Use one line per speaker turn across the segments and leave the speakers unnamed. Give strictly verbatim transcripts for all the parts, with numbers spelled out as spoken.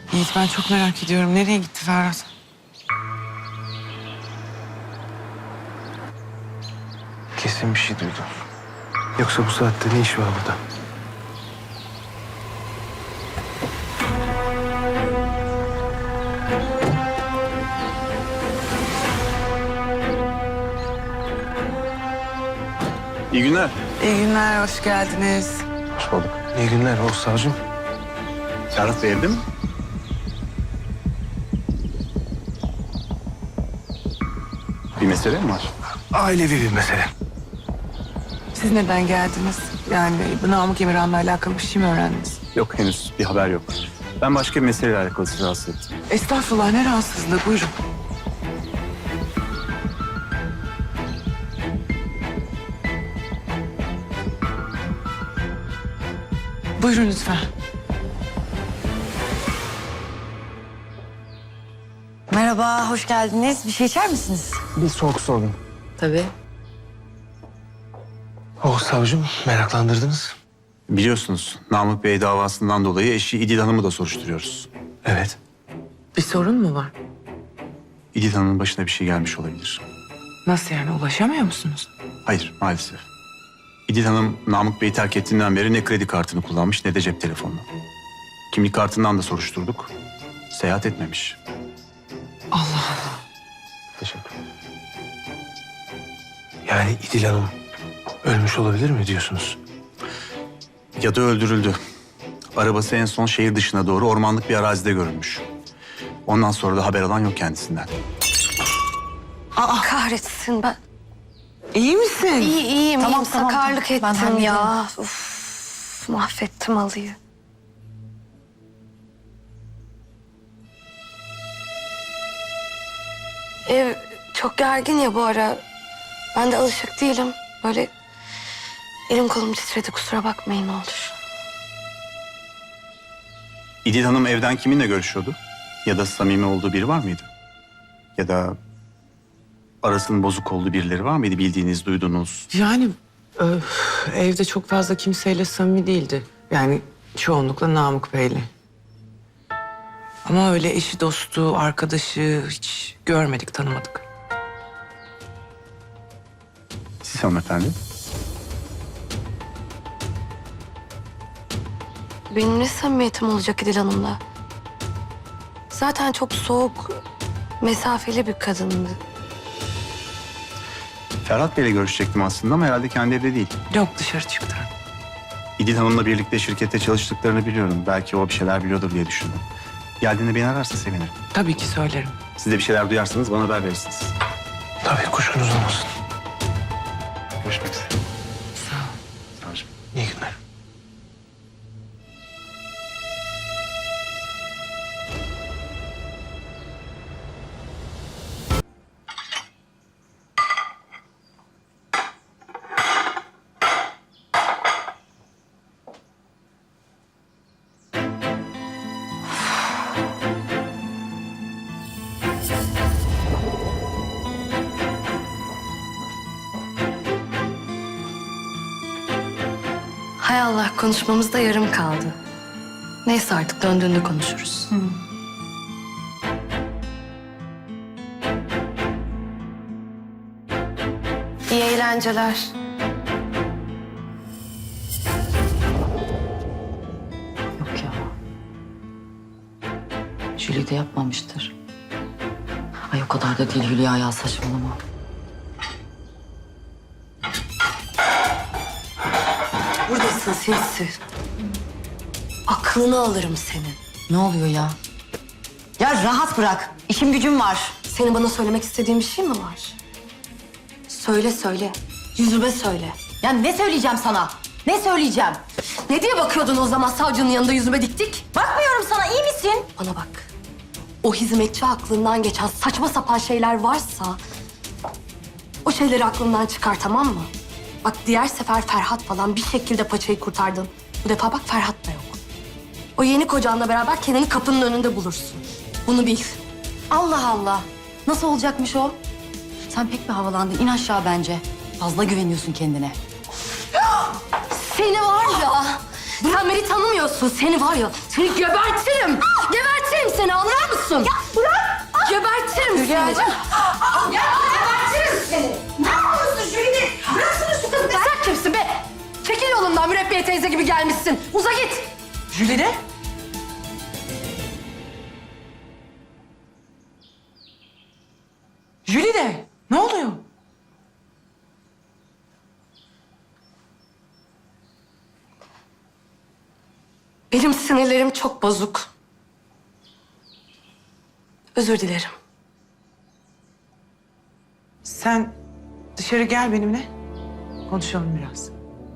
Yiğit ben çok merak ediyorum. Nereye gitti Ferhat?
Kesin bir şey duydu. Yoksa bu saatte ne iş var burada?
İyi günler.
İyi günler, hoş geldiniz.
Hoş bulduk.
İyi günler Oğuz Savcım.
Ferhat Bey evde mi? Bir mesele mi var?
Ailevi bir mesele.
Siz neden geldiniz? Yani bu Namık Emirhan'la alakalı bir şey mi öğrendiniz?
Yok henüz bir haber yok. Ben başka bir meseleyle alakalı sizi rahatsız ettim.
Estağfurullah, ne rahatsızlığı, buyurun. Buyurun lütfen.
Merhaba, hoş geldiniz. Bir şey içer misiniz?
Bir soğuk su alayım.
Tabii.
Oğuz Savcım meraklandırdınız.
Biliyorsunuz Namık Bey davasından dolayı eşi İdil Hanım'ı da soruşturuyoruz.
Evet.
Bir sorun mu var?
İdil Hanım'ın başına bir şey gelmiş olabilir.
Nasıl yani, ulaşamıyor musunuz?
Hayır maalesef. İdil Hanım Namık Bey'i terk ettiğinden beri ne kredi kartını kullanmış ne de cep telefonunu. Kimlik kartından da soruşturduk. Seyahat etmemiş.
Allah Allah.
Teşekkür ederim. Yani İdil Hanım ölmüş olabilir mi diyorsunuz?
Ya da öldürüldü. Arabası en son şehir dışına doğru ormanlık bir arazide görülmüş. Ondan sonra da haber alan yok kendisinden.
Aa, kahretsin ben.
İyi misin?
İyi, iyiyim,
Tamam,
iyiyim.
tamam,
Sakarlık
tamam. Ben
ettim
hallederim.
ya. Uf, mahvettim halıyı. Ev çok gergin ya bu ara. Ben de alışık değilim. Böyle elim kolum titredi, kusura bakmayın ne olur.
İdil Hanım evden kiminle görüşüyordu? Ya da samimi olduğu biri var mıydı? Ya da arasının bozuk olduğu birileri var mıydı bildiğiniz, duyduğunuz?
Yani öf, evde çok fazla kimseyle samimi değildi. Yani çoğunlukla Namık Bey'le. Ama öyle eşi, dostu, arkadaşı hiç görmedik, tanımadık.
Siz hanımefendi?
Benim ne samimiyetim olacak İdil Hanım'la? Zaten çok soğuk, mesafeli bir kadındı.
Ferhat Bey'le görüşecektim aslında ama herhalde kendi evde değil.
Yok, dışarı çıktı.
İdil Hanım'la birlikte şirkette çalıştıklarını biliyorum. Belki o bir şeyler biliyordur diye düşündüm. Geldiğinde beni ararsa sevinirim.
Tabii ki söylerim.
Siz de bir şeyler duyarsanız bana haber verirsiniz.
Tabii kuşkunuz olmasın.
Görüşmek üzere.
Sağ ol.
Savcım.
İyi günler.
Hay Allah, konuşmamız da yarım kaldı. Neyse artık döndüğünde konuşuruz. İyi eğlenceler.
Yok ya. Jüli de yapmamıştır. Ay o kadar da değil Hülya ya, saçmalama.
Buradasın sinsi. Aklını alırım senin.
Ne oluyor ya? Ya rahat bırak. İşim gücüm var.
Senin bana söylemek istediğin bir şey mi var? Söyle söyle. Yüzüme söyle.
Ya ne söyleyeceğim sana? Ne söyleyeceğim?
Ne diye bakıyordun o zaman savcının yanında yüzüme dik dik?
Bakmıyorum sana, iyi misin?
Bana bak. O hizmetçi aklından geçen saçma sapan şeyler varsa... o şeyleri aklından çıkar, tamam mı? Bak diğer sefer Ferhat falan bir şekilde paçayı kurtardın. Bu defa bak Ferhat da yok. O yeni kocanla beraber kendini kapının önünde bulursun. Bunu bil.
Allah Allah. Nasıl olacakmış o? Sen pek bir havalandın. İn aşağı bence. Fazla güveniyorsun kendine.
Seni var ya... Sen beni tanımıyorsun. Seni var ya, seni gebertirim. Gebertirim gelmişsin. Uza git.
Jülide? Jülide, ne oluyor?
Benim sinirlerim çok bozuk. Özür dilerim.
Sen dışarı gel benimle. Konuşalım biraz.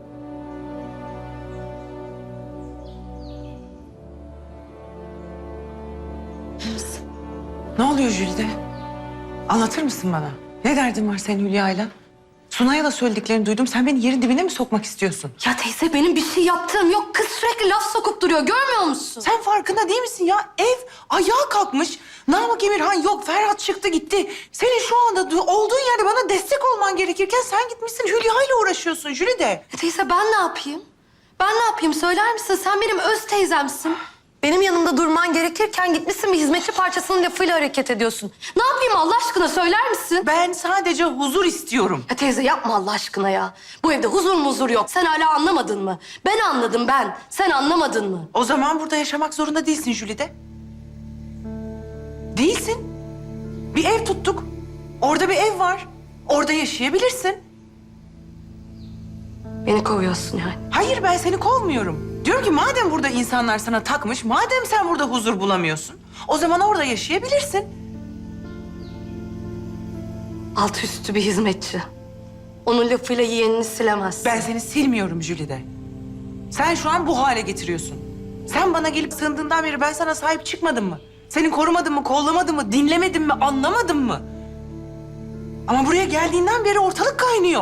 Ne oluyor Jülide? Anlatır mısın bana? Ne derdin var senin Hülya'yla? Sunay'a da söylediklerini duydum. Sen beni yerin dibine mi sokmak istiyorsun?
Ya teyze benim bir şey yaptığım yok. Kız sürekli laf sokup duruyor. Görmüyor musun?
Sen farkında değil misin ya? Ev ayağa kalkmış. Namık Emirhan yok. Ferhat çıktı gitti. Senin şu anda du- olduğun yerde bana destek olman gerekirken sen gitmişsin Hülya'yla uğraşıyorsun Jülide.
Ya teyze ben ne yapayım? Ben ne yapayım söyler misin? Sen benim öz teyzemsin. Benim yanımda durman gerekirken gitmişsin bir hizmetçi parçasının lafıyla hareket ediyorsun. Ne yapayım Allah aşkına söyler misin?
Ben sadece huzur istiyorum.
Ya teyze yapma Allah aşkına ya. Bu evde huzur muzur yok. Sen hala anlamadın mı? Ben anladım ben. Sen anlamadın mı?
O zaman burada yaşamak zorunda değilsin Jülide. Değilsin. Bir ev tuttuk. Orada bir ev var. Orada yaşayabilirsin.
Beni kovuyorsun yani.
Hayır, ben seni kovmuyorum. Diyorum ki madem burada insanlar sana takmış, madem sen burada huzur bulamıyorsun, o zaman orada yaşayabilirsin.
Altı üstü bir hizmetçi. Onun lafıyla yeğenini silemezsin.
Ben seni silmiyorum Jülide. Sen şu an bu hale getiriyorsun. Sen bana gelip sığındığından beri ben sana sahip çıkmadım mı? Seni korumadım mı, kollamadım mı, dinlemedim mi, anlamadım mı? Ama buraya geldiğinden beri ortalık kaynıyor.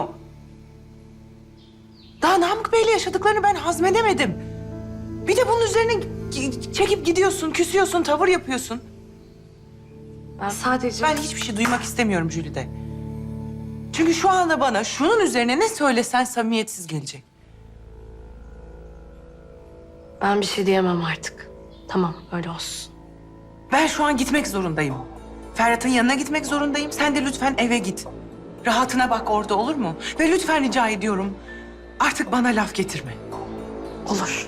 Daha Namık Bey'le yaşadıklarını ben hazmedemedim. Bir de bunun üzerine gi- çekip gidiyorsun, küsüyorsun, tavır yapıyorsun.
Ben sadece...
Ben hiçbir şey duymak istemiyorum Jülide. Çünkü şu anda bana şunun üzerine ne söylesen samimiyetsiz gelecek.
Ben bir şey diyemem artık. Tamam öyle olsun.
Ben şu an gitmek zorundayım. Ferhat'ın yanına gitmek zorundayım. Sen de lütfen eve git. Rahatına bak orada, olur mu? Ve lütfen rica ediyorum, artık bana laf getirme.
Olur.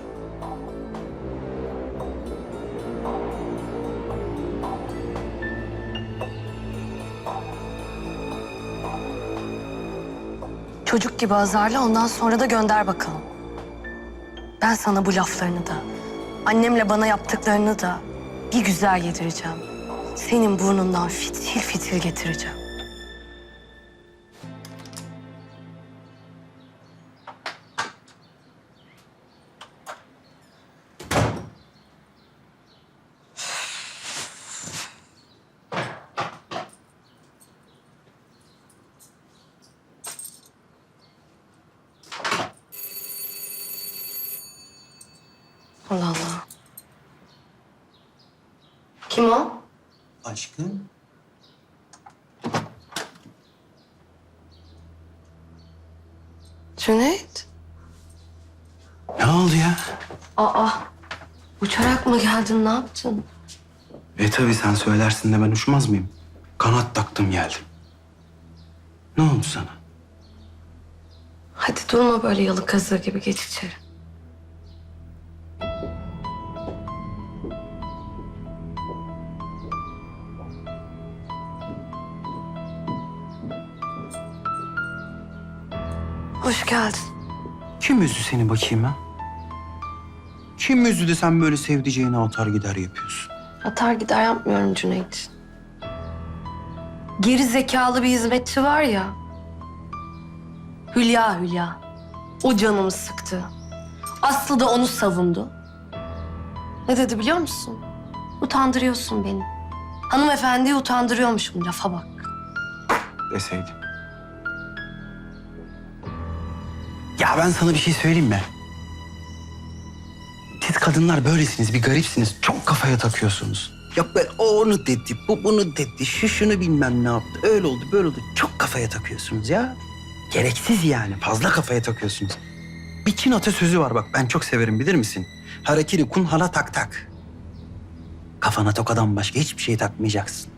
Çocuk gibi azarla ondan sonra da gönder bakalım. Ben sana bu laflarını da, annemle bana yaptıklarını da bir güzel yedireceğim. Senin burnundan fitil fitil getireceğim. Allah Allah. Kim o?
Aşkım.
Cüneyt.
Ne oldu ya?
Aa, uçarak mı geldin, ne yaptın?
E tabii sen söylersin de ben uçmaz mıyım? Kanat taktım geldim. Ne oldu sana?
Hadi durma böyle yalı kazığı gibi, geç içeri. Hoş geldin.
Kim üzdü seni bakayım ha? Kim üzdü de sen böyle sevdiceğini atar gider yapıyorsun?
Atar gider yapmıyorum Cüneyt. Geri zekalı bir hizmetçi var ya. Hülya Hülya. O canımı sıktı. Aslı da onu savundu. Ne dedi biliyor musun? Utandırıyorsun beni. Hanımefendiyi utandırıyormuşum, lafa bak.
Deseydim. Ya ben sana bir şey söyleyeyim mi? Siz kadınlar böylesiniz, bir garipsiniz. Çok kafaya takıyorsunuz. Yok ben o onu dedi, bu bunu dedi, şu şunu bilmem ne yaptı. Öyle oldu, böyle oldu. Çok kafaya takıyorsunuz ya. Gereksiz yani, fazla kafaya takıyorsunuz. Bir Çin atasözü var bak, ben çok severim bilir misin? Harakiri kun hala tak tak. Kafana tokadan başka hiçbir şey takmayacaksın.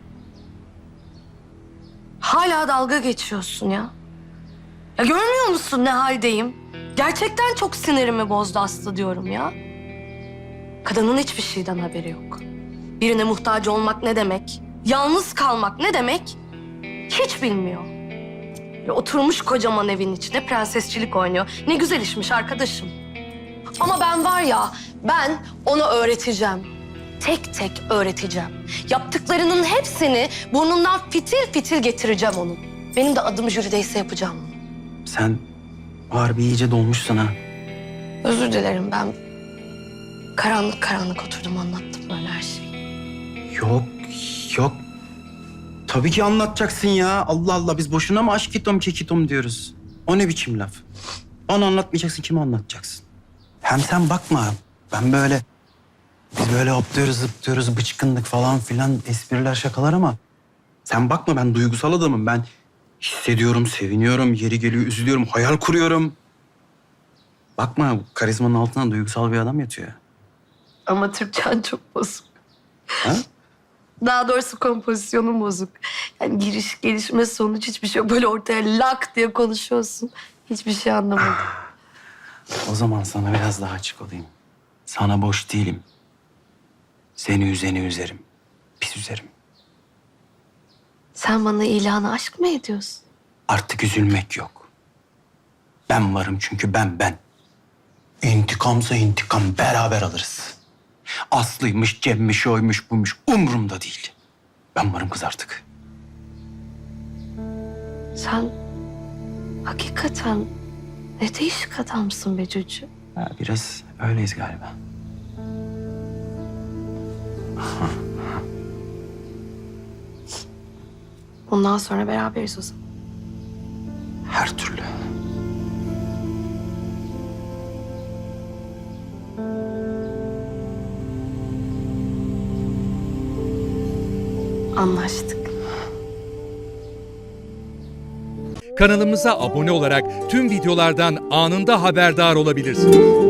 Hala dalga geçiyorsun ya. Ya görmüyor musun ne haldeyim? Gerçekten çok sinirimi bozdu Aslı diyorum ya. Kadının hiçbir şeyden haberi yok. Birine muhtaç olmak ne demek? Yalnız kalmak ne demek? Hiç bilmiyor. Böyle oturmuş kocaman evin içinde prensesçilik oynuyor. Ne güzel işmiş arkadaşım. Ama ben var ya, ben ona öğreteceğim. Tek tek öğreteceğim. Yaptıklarının hepsini burnundan fitil fitil getireceğim onun. Benim de adım Jülide'yse yapacağım bunu.
Sen harbi iyice dolmuşsun ha.
Özür dilerim, ben karanlık karanlık oturdum anlattım böyle her şeyi.
Yok, yok. Tabii ki anlatacaksın ya. Allah Allah, biz boşuna mı aşkitom kekitom diyoruz? O ne biçim laf? Bana anlatmayacaksın, kime anlatacaksın? Hem sen bakma, ben böyle... Biz böyle hopluyoruz, zıplıyoruz, bıçkınlık falan filan, espriler, şakalar ama... Sen bakma, ben duygusal adamım. Ben hissediyorum, seviniyorum, yeri geliyor, üzülüyorum, hayal kuruyorum. Bakma, bu karizmanın altına duygusal bir adam yatıyor.
Ama Türkçen çok bozuk.
Ha?
Daha doğrusu kompozisyonun bozuk. Yani giriş, gelişme, sonuç hiçbir şey yok. Böyle ortaya lak diye konuşuyorsun. Hiçbir şey anlamadım.
O zaman sana biraz daha açık olayım. Sana boş değilim. Seni üzeni üzerim. Pis üzerim.
Sen bana ilanı aşk mı ediyorsun?
Artık üzülmek yok. Ben varım çünkü ben ben. İntikamsa intikam beraber alırız. Aslı'ymış, Cem'miş, oymuş, buymuş umurumda değil. Ben varım kız artık.
Sen hakikaten ne değişik adamsın be Cücü.
Ha, biraz öyleyiz galiba.
Bundan sonra beraberiz o zaman.
Her türlü.
Anlaştık.
Kanalımıza abone olarak tüm videolardan anında haberdar olabilirsiniz.